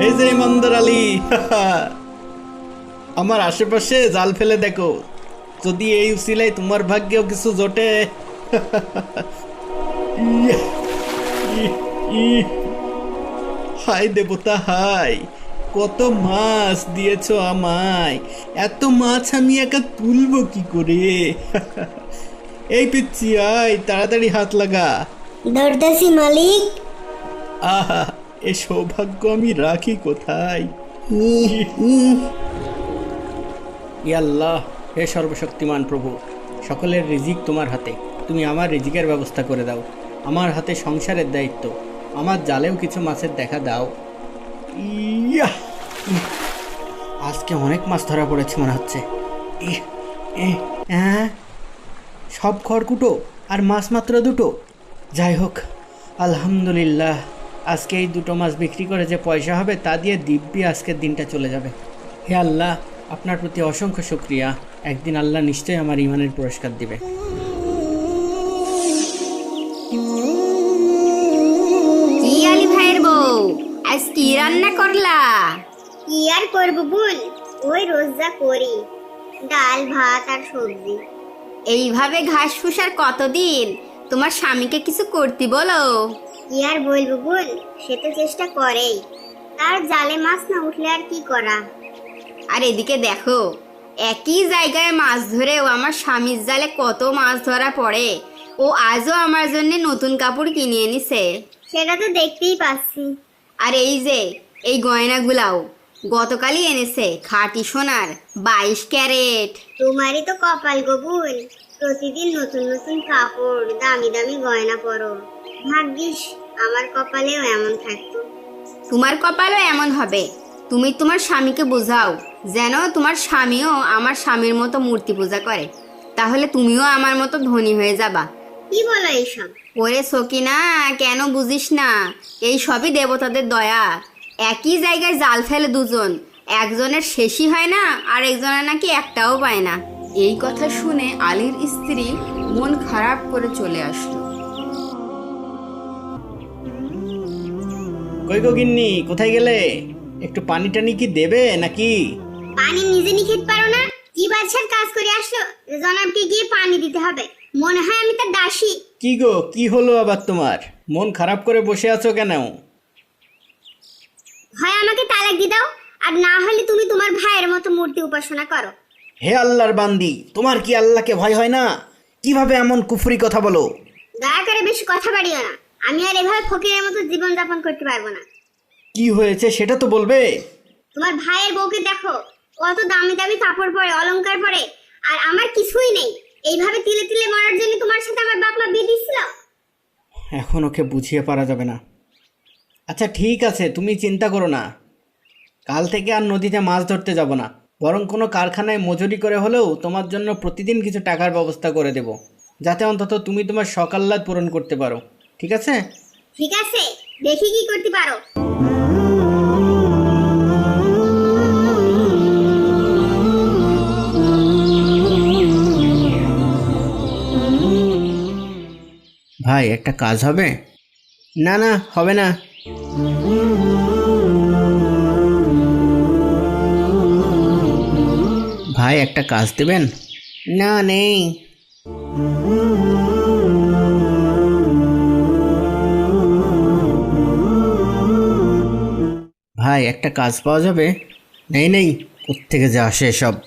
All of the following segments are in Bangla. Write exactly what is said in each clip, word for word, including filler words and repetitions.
এই যে ইমানদার আলী, আমার আশেপাশে জাল ফেলে দেখো, যদি এই উসিলায় তোমার ভাগ্যেও কিছু জোটে। ইয়া, ই, ই, হায় দেবতা হাই, কত মাছ দিয়েছো আমায়, এত মাছ আমি একা তুলবো কি করে? এই পিচ্ছি আয়, তাড়াতাড়ি হাত লাগা। ধরতেছি মালিক। আহা, এ সৌভাগ্য আমি রাখি কোথায়? ইয়াল্লাহ, হে সর্বশক্তিমান প্রভু, সকলের রিজিক তোমার হাতে, তুমি আমার রিজিকের ব্যবস্থা করে দাও। আমার হাতে সংসারের দায়িত্ব, আমার জালেও কিছু মাছের দেখা দাও। ইয়া, আজকে অনেক মাছ ধরা পড়েছে মনে হচ্ছে। ইহ, এহ, হ্যাঁ, সব খড়কুটো আর মাছ মাত্র দুটো। যাই হোক, আলহামদুলিল্লাহ, আজকে এই দুটো মাছ বিক্রি করে যে পয়সা হবে তা দিয়ে দিব্যি আজকের দিনটা চলে যাবে। হে আল্লাহ, আপনার প্রতি অসংখ্য শুকরিয়া। একদিন আল্লাহ নিশ্চয়ই আমার ইমানের পুরস্কার দিবে। কি আলী ভাইয়ের বউ, আজ কি রান্না করলা? কি আর করবো বল, ওই রোজ যা করি, ডাল ভাত আর সবজি। এইভাবে ঘাস ফুসার কতদিন? তোমার স্বামীকে কিছু করতে বলো। কি আর বলবো বল, সে তো চেষ্টা করেই, তার জালে মাছ না উঠলে আর কি করা। আর এদিকে দেখো, একই জায়গায় মাছ ধরেও আমার স্বামীর জালে কত মাছ ধরা পড়ে। ও আজও আমার জন্য নতুন কাপড় কিনে এনেছে। সেটা তো দেখতেই পাচ্ছি। আর এই যে এই গয়নাগুলাও গতকালই এনেছে, খাঁটি সোনার বাইশ ক্যারেট। তোমারই তো কপাল গবুল, প্রতিদিন নতুন নতুন কাপড়, দামি দামি গয়না পরো। ভাগ্যিস আমার কপালেও এমন থাকতো। তোমার কপালও এমন হবে। তুমি তোমার স্বামীকে বোঝাও যেন তোমার স্বামীও আমার স্বামীর মতো মূর্তি পূজা করে, তাহলে তুমিও আমার মতো ধনী হয়ে যাবা। কি বলো এইসব? ওরে সকিনা, কেন বুঝিস না? এই সবই দেবতাদের দয়া। একই জায়গায় জাল ফেলে দুজন, একজনের শেষই হয় না আর একজনের নাকি একটাও পায় না। এই কথা শুনে আলীর স্ত্রী মন খারাপ করে চলে আসলো। কই গো গিন্নি, কোথায় গেলে? একটু পানি টানি কি দেবে নাকি? পানি নিজে নিয়ে খেতে পারো না? কি বাদশার কাজ করে আসলো, জনাবকে গিয়ে পানি দিতে হবে? মনে হয় আমি তার দাসী। কি গো, কি হলো আবার তোমার? মন খারাপ করে বসে আছো কেন? হয় আমাকে তালাক দিয়ে দাও, আর না হলে তুমি তোমার ভাইয়ের মতো মূর্তি উপাসনা করো। হে আল্লাহর বান্দি, তোমার কি আল্লাহকে ভয় হয় না? কিভাবে এমন কুফরি কথা বলো? দয়া করে বেশি কথা বাড়িও না, আমি আর এভাবে ফকিরের মতো জীবন যাপন করতে পারবো না। কি হয়েছে সেটা তো বলবে। তোমার ভাইয়ের বউকে দেখো, কত দামি দামি কাপড় পরে, অলংকার পরে, আর আমার কিছুই নেই। এইভাবে তিলে তিলে মরার জন্য তোমার সাথে আমার বাপ মা বিয়ে দিছিল। এখন ওকে বুঝিয়ে পারা যাবে না। আচ্ছা ঠিক আছে, তুমি চিন্তা করো না, কাল থেকে আর নদীতে মাছ ধরতে যাব না, বরং কোনো কারখানায় মজুরি করে হলেও তোমার জন্য প্রতিদিন কিছু টাকার ব্যবস্থা করে দেব, যাতে অন্তত তুমি তোমার শখ আহ্লাদ পূরণ করতে পারো। ঠিক আছে? ঠিক আছে, দেখি কি করতে পারো। ভাই, একটা কাজ হবে? না না, হবে না। ভাই, একটা কাজ দেবেন? না, নেই। ভাই, একটা কাজ পাওয়া যাবে? নেই নেই, কোত্থেকে যে আসে সব।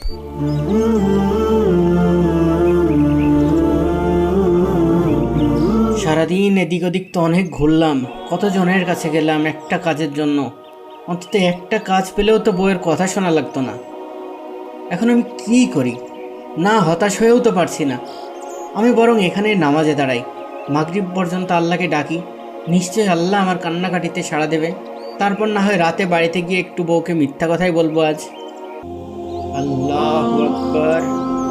সারাদিন এদিক ওদিক তো অনেক ঘুরলাম, কতজনের কাছে গেলাম একটা কাজের জন্য, অন্তত একটা কাজ পেলেও তো বউয়ের কথা শোনা লাগতো না। এখন আমি কী করি? না হতাশ হয়েও তো পারছি না। আমি বরং এখানে নামাজে দাঁড়াই, মাগরিব পর্যন্ত আল্লাহকে ডাকি, নিশ্চয়ই আল্লাহ আমার কান্নাকাটিতে সাড়া দেবে। তারপর না হয় রাতে বাড়িতে গিয়ে একটু বউকে মিথ্যা কথাই বলবো আজ। আল্লাহু আকবার।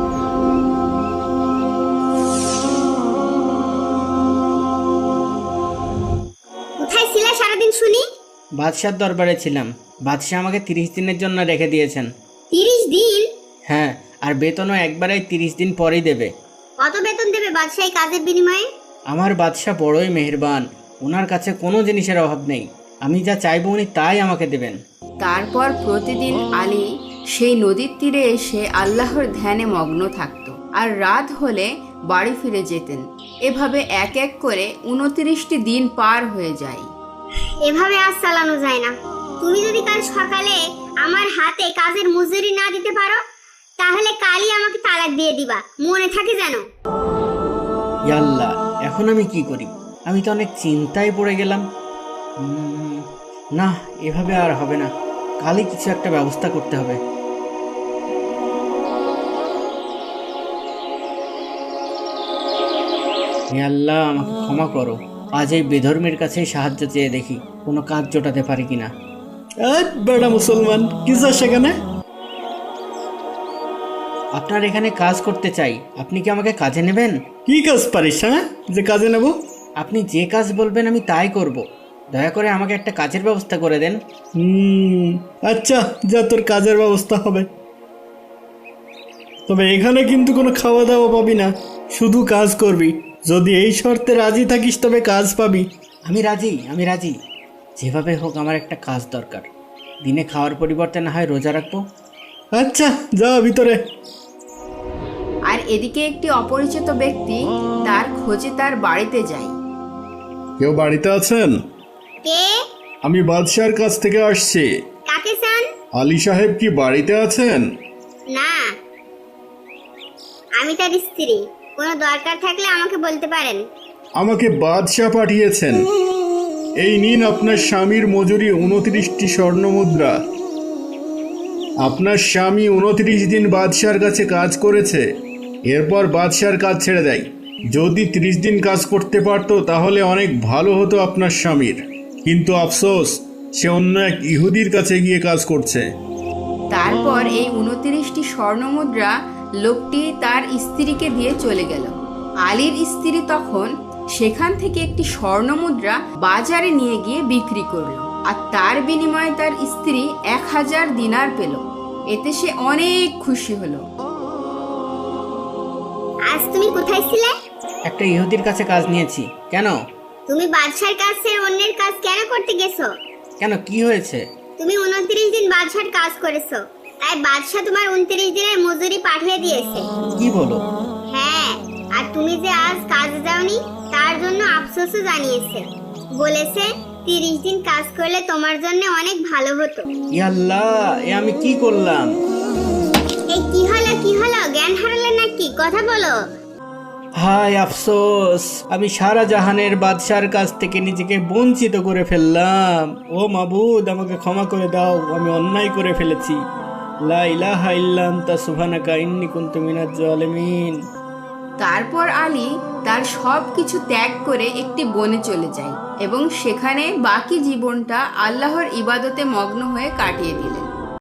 কোথায় ছিলে সারাদিন শুনি? বাদশার দরবারে ছিলাম, বাদশাহ আমাকে তিরিশ দিনের জন্য রেখে দিয়েছেন। তিরিশ দিন? হ্যাঁ, আর বেতনও একবারেই তিরিশ দিন পরেই দেবে। কত বেতন দেবে বাদশাহী কাজের বিনিময়ে? আমার বাদশাহ বড়ই মেহেরবান, ওনার কাছে কোনো জিনিসের অভাব নেই। আমি যা চাইবো উনি তাই আমাকে দেবেন। তারপর প্রতিদিন আলী সেই নদীর তীরে এসে আল্লাহর ধ্যানে মগ্ন থাকত আর রাত হলে বাড়ি ফিরে যেতেন। এভাবে এক এক করে উনত্রিশটি দিন পার হয়ে যায়। এভাবে আজ চালানো যায় না। তুমি যদি কাল সকালে আমার হাতে কাজের মজুরি না দিতে পারো তাহলে কালই আমাকে তালাক দিয়ে দিবা, মনে থাকে যেন। ইয়াল্লাহ, এখন আমি কি করি? আমি তো অনেক চিন্তায় পড়ে গেলাম। উম, না, এভাবে আর হবে না, কালই কিছু একটা ব্যবস্থা করতে হবে। হে আল্লাহ, আমাকে ক্ষমা করো। আজ এই বেধর্মের কাছে সাহায্য চেয়ে দেখি কোনো কাজ জোটাতে পারি কিনা। বেড়া মুসলমান, কি চাস সেখানে? আপনার এখানে কাজ করতে চাই, আপনি কি আমাকে কাজে নেবেন? কি কাজ পারিস, হ্যাঁ, যে কাজে নেব? আপনি যে কাজ বলবেন আমি তাই করব। দয়া করে আমাকে একটা কাজের ব্যবস্থা করে দেন। হুম, আচ্ছা, যা, তোর কাজের ব্যবস্থা হবে। তবে এখানে কিন্তু কোনো খাওয়া দাওয়া পাবি না, শুধু কাজ করবি। যদি এই শর্তে রাজি থাকিস তবে কাজ পাবি। আমি রাজি, আমি রাজি। যেভাবে হোক আমার একটা কাজ দরকার। দিনে খাওয়ার পরিবর্তে না হয় রোজা রাখবো। আচ্ছা, যা ভিতরে। আর এদিকে একটি অপরিচিত ব্যক্তি তার খোঁজে তার বাড়িতে যায়। কেউ বাড়িতে আছেন? কে? আমি বাদশার কাছ থেকে আসছি। কাকে চান? আলী সাহেব কি বাড়িতে আছেন? না, আমি তার স্ত্রী। কোনো দরকার থাকলে আমাকে বলতে পারেন। আমাকে বাদশাহ পাঠিয়েছেন। এই নিন আপনার স্বামীর মজুরি উনত্রিশটি স্বর্ণ মুদ্রা। আপনার স্বামী উনত্রিশ দিন বাদশার কাছে কাজ করেছে, এরপর বাদশার কাজ ছেড়ে দেয়। যদি ত্রিশ দিন কাজ করতে পারতো তাহলে অনেক ভালো হতো আপনার স্বামীর, কিন্তু আফসোস, সে অন্য এক ইহুদির কাছে গিয়ে কাজ করছে। তারপর এই উনত্রিশটি স্বর্ণমুদ্রা লোকটি তার স্ত্রীকে দিয়ে চলে গেল। আলীর স্ত্রী তখন সেখান থেকে একটি স্বর্ণমুদ্রা বাজারে নিয়ে গিয়ে বিক্রি করলো, আর তার বিনিময়ে তার স্ত্রী এক হাজার দিনার পেল। এতে সে অনেক খুশি হলো। আজ তুমি কোথায় ছিলে? একটা ইহুদির কাছে কাজ নিয়েছি। কেন? তুমি বাদশার কাছে অন্যের কাজ কেন করতে গেছো? কেন, কি হয়েছে? তুমি উনত্রিশ দিন বাদশার কাজ করেছো, তাই বাদশা তোমার উনত্রিশ দিনের মজুরি পাঠিয়ে দিয়েছে। কি বলো? হ্যাঁ, আর তুমি যে আজ কাজে যাওনি তার জন্য আফসোসও জানিয়েছে। বলেছে তিরিশ দিন কাজ করলে তোমার জন্য অনেক ভালো হতো। ইয়াল্লাহ, এ আমি কি করলাম? এই কি হলো, কি হলো? জ্ঞান হারালে নাকি? কথা বলো। হায় আফসোস, আমি সারা জাহানের বাদশার কাছ থেকে নিজেকে বঞ্চিত করে ফেললাম। ও মাবুদ, আমাকে ক্ষমা করে দাও, আমি অন্যায় করে ফেলেছি। লা ইলাহা ইল্লা আনতা সুবহানাকা ইন্নী কুনতু মিনাজ জালিমিন। তারপর আলী তার সব কিছু ত্যাগ করে একটি বনে চলে যায় এবং সেখানে বাকি জীবনটা আল্লাহর ইবাদতে মগ্ন হয়ে কাটিয়ে দিলেন।